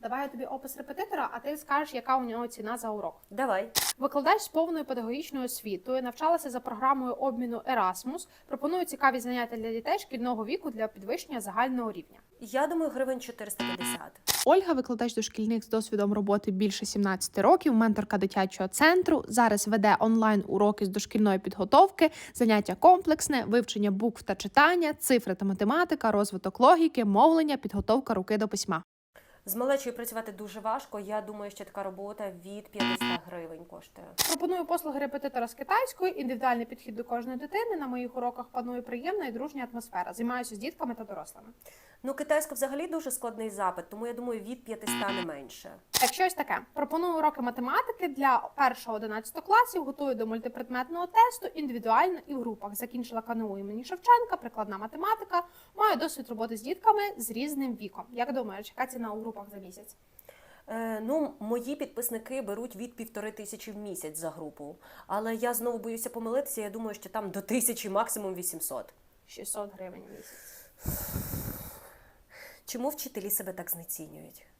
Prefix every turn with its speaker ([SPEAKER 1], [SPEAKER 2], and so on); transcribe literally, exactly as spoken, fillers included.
[SPEAKER 1] Давай я тобі опис репетитора, а ти скажеш, яка у нього ціна за урок.
[SPEAKER 2] Давай.
[SPEAKER 1] Викладач з повною педагогічною освітою, навчалася за програмою обміну Erasmus, пропонує цікаві заняття для дітей шкільного віку для підвищення загального рівня.
[SPEAKER 2] Я думаю, гривень чотириста п'ятдесят.
[SPEAKER 3] Ольга – викладач дошкільних з досвідом роботи більше сімнадцяти років, менторка дитячого центру. Зараз веде онлайн-уроки з дошкільної підготовки, заняття комплексне, вивчення букв та читання, цифри та математика, розвиток логіки, мовлення, підготовка руки до письма.
[SPEAKER 2] З малечою працювати дуже важко. Я думаю, що така робота від п'ятсот гривень коштує.
[SPEAKER 1] Пропоную послуги репетитора з китайської, індивідуальний підхід до кожної дитини. На моїх уроках панує приємна і дружня атмосфера. Займаюся з дітками та дорослими.
[SPEAKER 2] Ну, китайська взагалі дуже складний запит, тому я думаю, від п'ятисот не менше.
[SPEAKER 1] Так, щось таке. Пропоную уроки математики для першого-одинадцятого класів, готую до мультипредметного тесту, індивідуально і в групах. Закінчила КНУ імені Шевченка, прикладна математика, маю досвід роботи з дітками з різним віком. Як думаєш, яка ціна у групах за місяць?
[SPEAKER 2] Е, ну, мої підписники беруть від півтори тисячі в місяць за групу. Але я знову боюся помилитися, я думаю, що там до тисячі, максимум вісімсот.
[SPEAKER 1] шістсот гривень в місяць.
[SPEAKER 2] Чому вчителі себе так знецінюють?